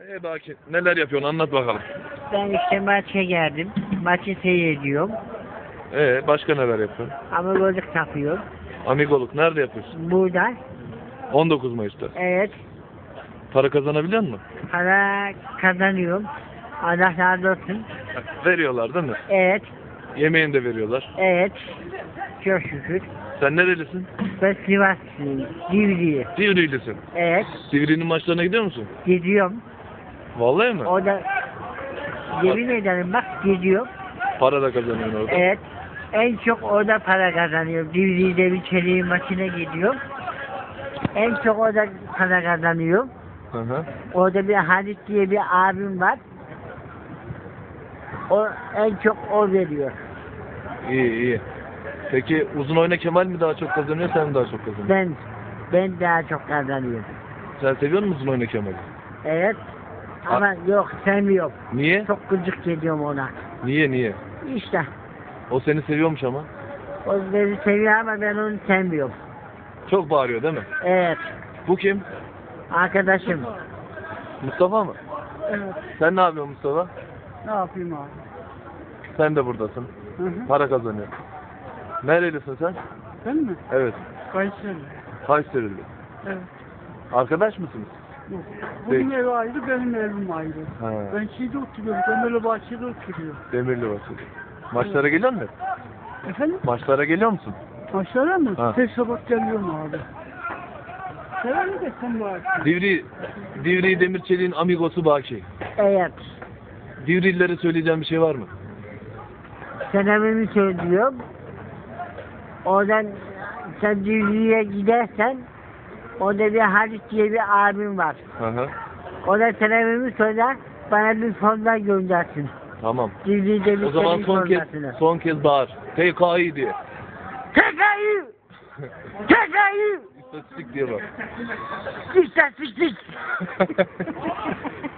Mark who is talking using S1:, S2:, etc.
S1: Baki neler yapıyorsun anlat bakalım.
S2: Ben işte maça geldim. Maçı seyrediyorum.
S1: Başka neler yapıyorsun?
S2: Amigoluk takıyorum.
S1: Amigoluk nerede yapıyorsun?
S2: Burada.
S1: 19 Mayıs'ta.
S2: Evet.
S1: Para kazanabiliyor musun?
S2: Para kazanıyorum. Allah razı olsun.
S1: Veriyorlar değil mi?
S2: Evet.
S1: Yemeğini de veriyorlar.
S2: Evet. Çok şükür.
S1: Sen nerelisin?
S2: Ben Sivaslıyım. Divriği.
S1: Divriğlisin.
S2: Evet.
S1: Divriğinin maçlarına gidiyor musun?
S2: Gidiyorum.
S1: Vallahi mi?
S2: O da yemin ederim bak gidiyorum.
S1: Para da kazanıyorsun orada.
S2: Evet. En çok orada para kazanıyorum. Divriği'de bir çeliğin maçına gidiyorum. En çok orada para kazanıyorum.
S1: Hı hı.
S2: Orada bir Halit diye bir abim var. O en çok o veriyor.
S1: İyi iyi. Peki uzun oyna Kemal mi daha çok kazanıyor sen mi daha çok kazanıyorsun?
S2: Ben daha çok kazanıyorum.
S1: Sen seviyor musun uzun oyna Kemal'i?
S2: Evet. Ama yok sevmiyorum.
S1: Niye?
S2: Çok gıcık geliyorum ona.
S1: Niye?
S2: İşte.
S1: O seni seviyormuş ama.
S2: O beni seviyor ama ben onu sevmiyorum.
S1: Çok bağırıyor değil mi?
S2: Evet.
S1: Bu kim?
S2: Arkadaşım.
S1: Mustafa mı?
S2: Evet.
S1: Sen ne yapıyorsun Mustafa?
S2: Ne yapayım abi?
S1: Sen de buradasın.
S2: Hı hı.
S1: Para kazanıyor. Nerelisin sen?
S2: Ben mi?
S1: Evet.
S2: Kayseri.
S1: Kayseri'li.
S2: Evet.
S1: Arkadaş mısınız?
S2: Yok.
S1: Değil.
S2: Bunun evi ayrı, benim evim ayrı.
S1: Ha.
S2: Ben şeyde oturuyorum, Demirlibaşı'da oturuyorum.
S1: Demirlibaşı. Maçlara geliyor musun?
S2: Efendim?
S1: Maçlara geliyor musun?
S2: Maçlara mı?
S1: Ha.
S2: Her sabah geliyorum abi. Sever mi de sen bu akşam?
S1: Divri Demirçelik'in amigosu Baki.
S2: Evet.
S1: Divrililere söyleyeceğim bir şey var mı?
S2: Senemimi söylüyorum. Oradan sen Divri'ye gidersen orada bir Halit diye bir abim var.
S1: Hı hı.
S2: O da senemimi söyler, bana bir fonda göndersin.
S1: Tamam.
S2: Divri'de bir
S1: O zaman son kez bağır. TKİ diye.
S2: TKİ! TKİ!
S1: İstatistik diye bak.
S2: İstatistik!